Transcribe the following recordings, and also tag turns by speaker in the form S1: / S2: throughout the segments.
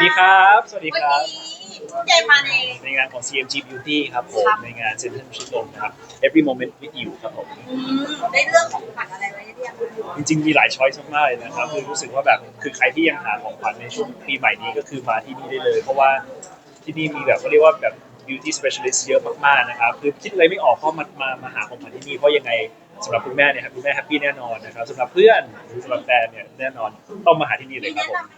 S1: ดีครับสวัสดีครับ
S2: วันนี้เจมมาใน
S1: ในงานของ CMG Beauty ครับผมในงานเซ็นทรัลชิดลมนะครับ Every Moment with You ครับผม
S2: ได้เรื่องของขวัญอะไรไว้เรียง
S1: จริงๆมีหลายช้อยส์มากๆเลยนะครับคือรู้สึกว่าแบบคือใครที่ยังหาของขวัญในช่วงปีใหม่นี้ก็คือมาที่นี่ได้เลยเพราะว่าที่นี่มีแบบเขาเรียกว่าแบบ beauty specialist เยอะมากๆนะครับคือคิดอะไรไม่ออกก็มาหาของขวัญที่นี่เพราะยังไงสำหรับคุณแม่เนี่ยครับคุณแม่แฮปปี้แน่นอนนะครับสำหรับเพื่อนหรือสำหรับแฟนเนี่ยแน่นอนต้องมาหาที่นี่เลยครับผม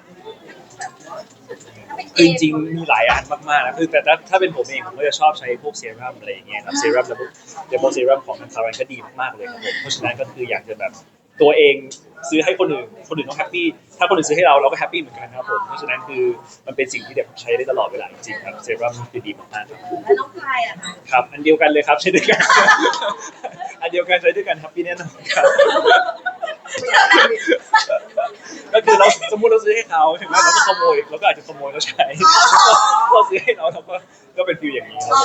S1: คือจริงๆมีหลายอันมากๆนะคือแต่ถ้าเป็นผมเองผมก็จะชอบใช้พวกเซรั่มอะไรอย่างเงี้ยครับเซรั่มแล้วพวกเดโมเซรั่มของทางซารันก็ดีมากๆเลยครับผมเพราะฉะนั้นก็คืออยากจะแบบตัวเองซื้อให้คนอื่นต้องแฮปปี้ถ้าคนอื่นซื้อให้เราก็แฮปปี้เหมือนกันครับผมเพราะฉะนั้นคือมันเป็นสิ่งที่เด็กใช้ได้ตลอดเวลาจริงๆครับเซรั่มคือดีมากๆครับ
S2: แล้วน้องพายอ่ะคะ
S1: ครับอันเดียวกันเลยครับใช้ด้วยกันอันเดียวกันใช้ด้วยกันแฮปปี้แน่นอนครับก็คือเราสมมติเราซื้อให้เขาถึงแม้เราก็ขโมยเราก็อาจจะขโมยเขาใช้เราซื้อให้เราก็เป็นฟิลอย่างนี้ครับ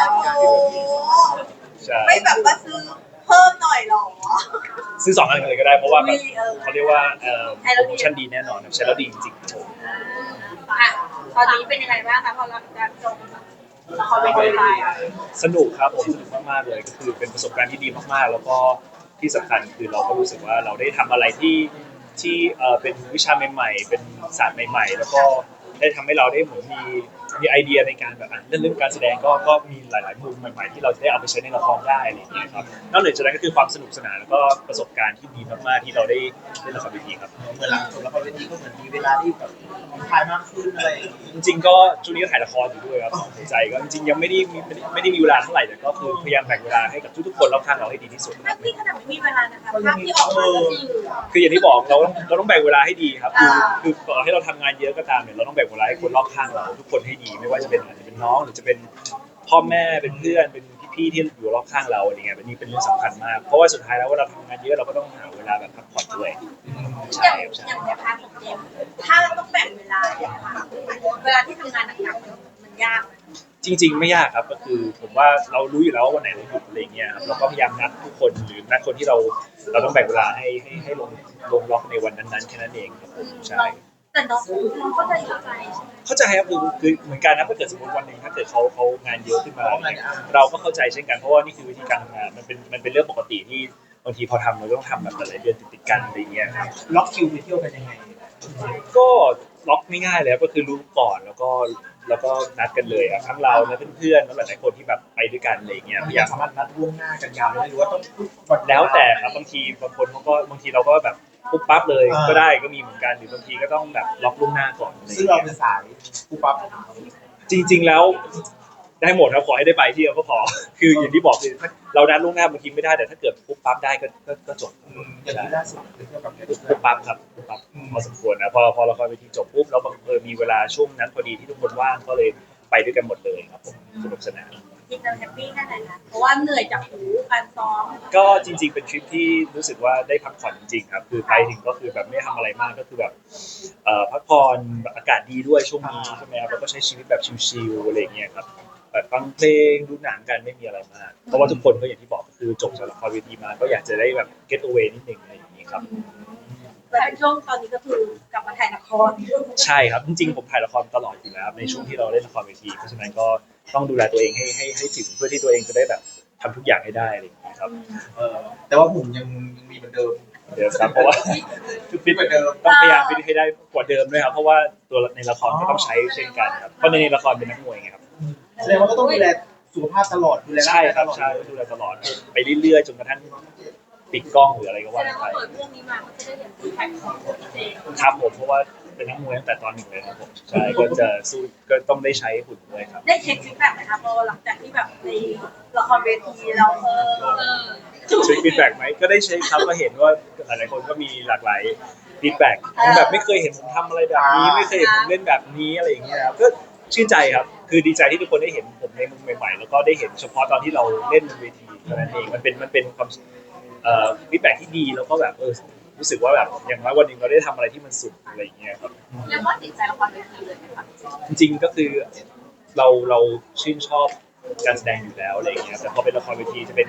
S1: ใช่
S2: ไม่แบบว่าซื้อเพิ่มหน่อยหรอ
S1: ซื้อ2 อันเลยก็ได้เพราะว่าแบบเขาเรียกว่าโปรโมชั่นดีแน่นอนใช้แล้วดีจริงๆผม
S2: ตอนนี้เป็นยังไงบ้างคะพอเราจะจบละครเวทีไทย
S1: สนุกครับผมสนุกมากๆเลยก็คือเป็นประสบการณ์ที่ดีมากๆแล้วก็ที่สำคัญคือเราก็รู้สึกว่าเราได้ทำอะไรที่เป็นวิชาใหม่ๆเป็นศาสตร์ใหม่ๆแล้วก็ได้ทำให้เราได้เหมือนมีไอเดียในการแบบเรื่องการแสดงก็มีหลายๆมุมใหม่ๆที่เราจะได้เอาไปใช้ในละครได้อะไรอย่างเงี้ยครับนอกจากนั้นก็คือความสนุกสนานแล้วก็ประสบการณ์ที่ดีมากๆที่เราได้เล่นละครเวทีครับ
S3: เหมือนหลังจบละครเวทีก็เหมือนมีเวลาที่แบบถ่ายมากขึ้นอะไร
S1: จริงๆก็ช่วงนี้ก็ถ่ายละครอยู่ด้วยครับหัวใจก็จริงๆยังไม่ได้มีเวลาเท่าไหร่แต่ก็คือพยายามแบ่งเวลาให้กับทุกๆคนรอบข้างเราให้ดีที่สุดค
S2: ภา
S1: รั
S2: พที่ขนาดไม่มีเวลานะคะภาพที่ออกมาก็
S1: คืออย่างที่บอกเราต้องแบ่งเวลาให้ดีครับคือต่อให้เราทำงานเยอะก็ตามเนี่ยเราต้องแบ่งเวลาให้คนรอบข้างเราทุกคนให้ดีไม่ว่าจะเป็นอาจจะเป็นน้องหรือจะเป็นพ่อแม่เป็นเพื่อนเป็นพี่ๆที่อยู่รอบข้างเราอะไรเงี้ยเป็นนี่เป็นเรื่องสำคัญมากเพราะว่าสุดท้ายแล้วว่าเราทำงานเยอะเราก็ต้องหาเวลาแบบพักผ่อนด้วยใช่
S2: อย่างในพาร์ทของเจมถ้าเราต้องแบ่งเวลาเนี่ยค่ะเวลาที่ทำงานหนักๆมันยาก
S1: จริงๆไม่ยากครับก็คือผมว่าเรารู้อยู่แล้วว่าวันไหนเราหยุดอะไรเงี้ยครับเราก็พยายามนัดทุกคนหรือนัดคนที่เราต้องแบ่งเวลาให้ลงล็อกในวันนั้นๆแค่นั้นเองครับผมใช่
S2: แต่น้องเข้าใจใช่ไหม
S1: เข้าใจครับคือเหมือนกันนะถ้าเกิดสมมติวันหนึ่งถ้าเกิดเขางานเยอะขึ้นมาเราก็เข้าใจเช่นกันเพราะว่านี่คือวิธีการทำงานมันเป็นเรื่องปกติที่บางทีพอทำเราต้องทำแบบหลายๆเดือนติดๆกันอะไรเงี้ยครับ
S3: ล็อกคิวไปเที่ยวกันยังไง
S1: ก็ล็อกง่ายๆเลยก็คือรู้ก่อนแล้วก็นัดกันเลยอะทั้งเราและเพื่อนๆแล้วหลายๆคนที่แบบไปด้วยกันอะไรเงี้ยพยายาม
S3: สามารถนัดล่วงหน้ากันยาวได้หรือว่าต้อง
S1: แล้วแต่ครับบางทีบางคนเขาก็บางทีเราก็แบบปุ๊บปั๊บเลยก็ได้ก็มีเหมือนกันหรือบางทีก็ต้องแบบล็อกล่วงหน้าก่อน
S3: ซึ่งเราเป็นสายปุ๊บปั๊บ
S1: จริงๆแล้วได้หมดครับขอให้ได้ไปที่เราก็พอคืออย่างที่บอกคือเรานัดล่วงหน้าบางทีไม่ได้แต่ถ้าเกิดปุ๊บปั๊บได้ก็จบ
S3: อย่างที่ล่าสุดเที่ยวกับ
S1: ปุ๊บปั๊บครับปุ๊บปั๊บพอสมควรนะพอละครเวทีจบปุ๊บแล้วบังเอิญมีเวลาช่วงนั้นพอดีที่ทุกคนว่างก็เลยไปด้วยกันหมดเลยครับผมสนุกสนาน
S2: จริงเราแฮปปี้แค่ไหนคะเพราะว่าเหนื่อยจากการซ้อม
S1: ก็จริงๆเป็นทริปที่รู้สึกว่าได้พักผ่อนจริงๆครับคือไปถึงก็คือแบบไม่ทำอะไรมากก็คือแบบพักผ่อนอากาศดีด้วยช่วงนี้ใช่ไหมครับแล้วก็ใช้ชีวิตแบบชิลๆอะไรอย่างเงี้ยครับแบบฟังเพลงดูหนังกันไม่มีอะไรมากเพราะว่าทุกคนก็อย่างที่บอกคือจบจากละครเวทีมาก็อยากจะได้แบบ get away นิดนึงอะไรอย่างนี้ครับ
S2: แต่ช่วงตอนนี้ก็คือกลับมาถ่ายละคร
S1: ใช่ครับจริงๆผมถ่ายละครตลอดอยู่แล้วในช่วงที่เราเล่นละครเวทีเพราะฉะนั้นก็ต้องดูแลตัวเองให้ถึงเพื่อที่ตัวเองจะได้แบบทำทุกอย่างให้ได้อะไรอย่างนี้ครับ
S3: แต่ว่าผมยังมีเหมือนเดิม
S1: ครับเพราะว่าฟิตเหมือนเดิมต้องพยายามฟิตให้ได้กว่าเดิมด้วยครับเพราะว่าตัวในละครก็ต้องใช้เช่นกันครับเพราะในละครเป็นนักมวยไงครับ
S3: แสดงว่าก็ต้องดูแลสุขภาพตลอดดูแล
S1: ใช่ครับใช่ดูแลตลอดไปเรื่อยๆจนกระทั่งปิดกล้องหรืออะไรก็ว่าไป
S2: เรื่องนี้มาก็จะได้เห็นสีแข็งของเจ
S1: ครับผมเพราะว่าเป็นนักมวยตั้งแต่ตอนหนึ่งเลยครับผมใช่ก็จะสู้ก็ต้องได้ใช้หุ่นด้วยครับ
S2: ได้เช็คฟีดแบ็กไหมคะพอหลังจากที่แบบในละครเวทีเรา
S1: เช็คฟีดแบ็กไหมก็ได้เช็คครับก็เห็นว่าหลายๆคนก็มีหลากหลายฟีดแบ็กแบบไม่เคยเห็นผมทำอะไรแบบนี้ไม่เคยเห็นผมเล่นแบบนี้อะไรอย่างเงี้ยครับก็ชื่นใจครับคือดีใจที่ทุกคนได้เห็นผมในมุมใหม่ๆแล้วก็ได้เห็นเฉพาะตอนที่เราเล่นบนเวทีเท่านั้นเองมันเป็นความฟีดแบ็กที่ดีแล้วก็แบบรู้สึกว่าแบบอย่างน้อยวันหนึ่งเราได้ทำอะไรที่มันสุดอะไรอย่างเงี้ยครับ
S2: เรียกว่าติดใจละครเวทีเลยไหมคะ
S1: จริงๆก็คือเราชื่นชอบการแสดงอยู่แล้วอะไรอย่างเงี้ยแต่พอเป็นละครเวทีจะเป็น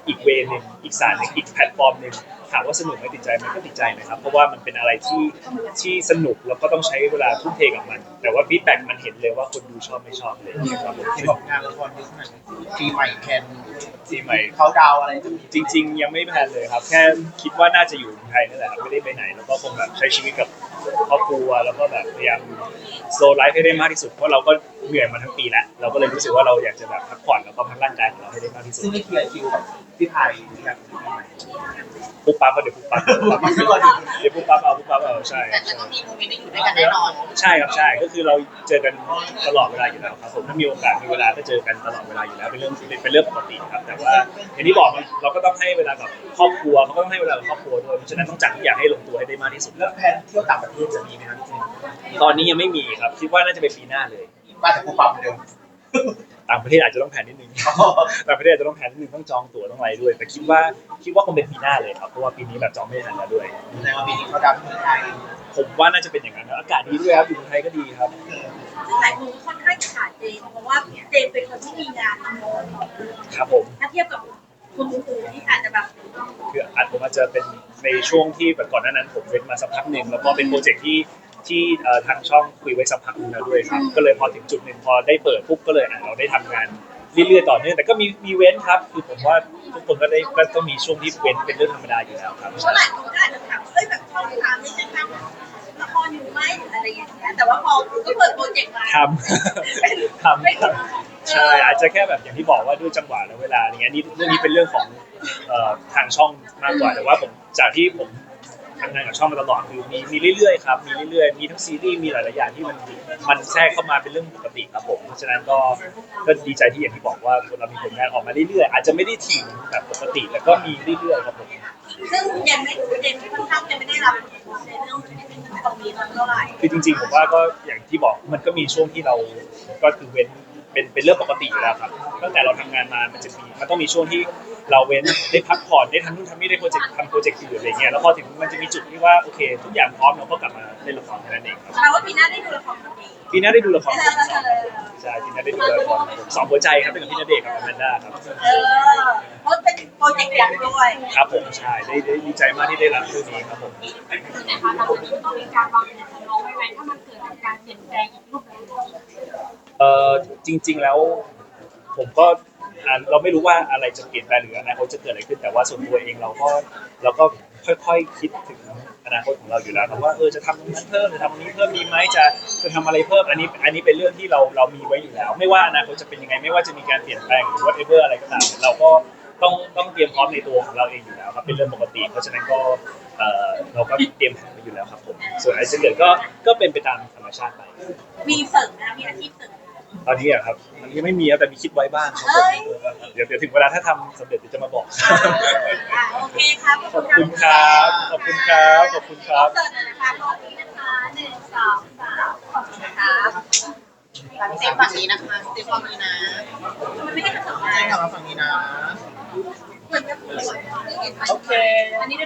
S1: อีกเวย์หนึ่งอีกศาสตร์หนึ่งอีกแพลตฟอร์มหนึ่งถามว่าสนุกไหมติดใจไหมก็ติดใจนะครับเพราะว่ามันเป็นอะไรที่สนุกแล้วก็ต้องใช้เวลาทุ่มเทกับมัน แต่ว่าฟีดแบ็กมันเห็นเลยว่าคนดูชอบไม่ชอบเลยครับผม
S3: ที่บอกงานละครเยอะขนาดนี้ปีใหม่แคน
S1: ทีใหม่
S3: เขาดาวอะไรจะมี
S1: จริงๆยังไม่แพลนเลยครับแค่คิดว่าน่าจะอยู่ไทยนั่นแหละครับไม่ได้ไปไหนแล้วก็คงแบบใช้ชีวิตกับครอบครัวแล้วก็แบบพยายามโซลไลฟ์ให้ได้มากที่สุดเพราะเราก็เหนื่อยมาทั้งปีแล้วเราก็เลยรู้สึกว่าเราอยากจะแบบพักผ่อนแล้วก็พักร่างกายของเราให้ได้มากที่สุด
S3: ซึ่งไม่เคลียร์คิวกับพี่ไทยอยาก
S1: ปุ๊บปั๊บก็เดี๋ยวปุ๊บปั๊บ
S3: มาขึ้นก่อน
S1: เดี๋ยวปุ๊บปั๊บเอาปุ๊บปั๊บเอาใช่
S2: แต่ก็ต้องมีโมเมนต์ได้อยู่ด้วยกันแน่นอน
S1: ใช่ครับใช่ก็คือเราเจอกันตลอดเวลาอยู่แล้วครับผมถ้ามีโอกาสมีเวลาก็เจอกันตลอดเวลาอยู่แล้วเป็นเรื่องปกติครับแต่ว่าอย่างที่บอกเราก็ต้องให้เวลากับครอบครัวเขาก็ต้องให้เวลากับครอบครัวด้วยเพราะฉะนั้นต้องจัดทุกอย่างให้ลงตัวให้ได้มากที่สุด
S3: แล้วแพนเที่ยวต่างประเทศจะมีไหมครับพี่เจม
S1: ตอนนี้ยังไม่มีครับคิดว่าน่าจะเป็นปีหน้าเลย
S3: ว่าแต่กูปั๊มเหมือนเดิม
S1: ต่างประเทศอาจจะต้องแผนนิดนึง ต่างประเทศอาจจะต้องแผนนิดนึงต้องจองตั๋วต้องอะไรด้วย แต่คิดว่าคงเป็นปีหน้าเลยครับเพราะว่าปีนี้แบบจองไม่ทันแล้วด้วย
S3: ในวันปีนี้เขาดาวที่เมืองไทย
S1: ผมว่าน่าจะเป็นอย่างนั้นนะอากาศดีด้วยครับอยู่เมืองไทยก็ดีครับ
S2: ซึ่งหลายคนค่อนข้างขาดเจมเพราะว่าเจมเป็นคนที่มีงานน้อย
S1: ครับผม
S2: ถ้าเทียบกับคนอื่นๆที่อาจจะแบบ
S1: คือผมอาจจะเป็นในช่วงที่แบบก่อนหน้านั้นผมเว้นมาสักพักหนึ่งแล้วก็เป็นโปรเจกต์ที่ทางช่องคุยไว้สักพักหนึงแล้วด้วยครับก็เลยพอถึงจุดหนึ่งพอได้เปิดปุ๊บก็เลยเราได้ทำงานเรื่อยๆต่อเนื่องแต่ก็มีเว้นครับคือผมว่าทุกคนก็ต้องมีช่วงที่เว้นเป็นเรื่องธรรมดาอยู่แล้วครับ
S2: เพราะหลายคนก็อาจจะถามว่าแบบช่องสามนี่จะทำละครอยู่ไหมหรืออะไรอย่างเงี้ยแต่ว่าพอก็เปิดโปรเจกต์มา
S1: ทำใช่อาจจะแค่แบบอย่างที่บอกว่าด้วยจังหวะและเวลาอย่างเงี้ยนี่เรื่องนี้เป็นเรื่องของทางช่องมากกว่าแต่ว่าผมจากที่ผมทำงานกับช่องมาตลอดคือมีเรื่อยๆครับมีเรื่อยๆมีทั้งซีรีส์มีหลายๆอย่างที่มันแทรกเข้ามาเป็นเรื่องปกติครับผมเพราะฉะนั้นก็ดีใจที่อย่างที่บอกว่าเรามีผลงานออกมาเรื่อยๆอาจจะไม่ได้ถี่แบบปกติแต่ก็มีเรื่อยๆครับผม
S2: ซึ่งยังไม่เจมค่อนข้างจะไม่ได้รับในเรื่องตรงนี้เท่าไหร่
S1: คือจริงๆผมว่าก็อย่างที่บอกมันก็มีช่วงที่เราก็คือเว้นเป็นเรื่องปกติอยู่แล้วครับตั้งแต่เราทำงานมามันต้องมีช่วงที่เราเว้นได้พักผ่อนได้ทำนู่นทำนี่ได้ทำโปรเจกต์อื่นอะไรเงี้ยแล้วพอถึงมันจะมีจุดที่ว่าโอเคทุกอย่างพร้อมเราก็กลับมาเล่นละครแค่นั้นเองครับ
S2: แปลว่าปีหน้าได้ดูละครดี
S1: ปีหน้าได้ดูละครใช่ปีหน้าได้ดูละครสองหัวใจครับเป็นกับพี่ณเดชน์กับอแมนด้าครับ
S2: เพราะเป็นโปรเจกต์ใหญ่ด้วย
S1: ครับผมใช่ได้ดีใจมากที่ได้รับเรื่องนี้ครับผม
S2: แต่คะเราต้องมีการวางแผนสำรองไว้ไหมถ้ามันเกิดการเปลี่ยนแปลงอีกรูปแบบ
S1: จริงๆแล้วผมก็เราไม่รู้ว่าอะไรจะเปลี่ยนแปลงหรืออนาคตจะเกิดอะไรขึ้นแต่ว่าส่วนตัวเองเราก็ค่อยๆคิดถึงอนาคตของเราอยู่แล้วครับว่าจะทำตรงนั้นเพิ่มจะทำตรงนี้เพิ่มดีไหมจะทำอะไรเพิ่มอันนี้เป็นเรื่องที่เรามีไว้อยู่แล้ว ไม่ว่าอนาคตจะเป็นยังไงไม่ว่าจะมีการเปลี่ยนแปลงหรือ whatever อะไรก็ตามเราก็ต้องเตรียมพร้อมในตัวของเราเองอยู่แล้วครับเป็นเรื่องปกติเพราะฉะนั้นก็เราก็เตรียมแผนไว้อยู่แล้วครับผมส่วนอะไรจะเกิดก็เป็นไปตามธรรมชาติไป
S2: มีเสริมนะมีอาชีพเสริม
S1: ตอนนี้อะครับตอนนี้ไม่มีครับแต่มีคิดไว้บ้างครับผมเดี๋ยวถึงเวลาถ้าทำสำเร็จเดี๋ยวจะมาบอก
S2: โอเคครับ
S1: ขอบคุณครับขอบคุณครับขอบคุณครับ
S2: เสริมนะคะตอนนี้นะคะ1 2 3ขอบคุณครับเซฟฝั่งนี้นะคะเซฟฝั่งนี้นะมันไม่ได้กระจก
S3: ใช่กลับมาฝั่งนี้นะ
S2: เหมือนจะปวด
S3: โอเค
S2: อันนี้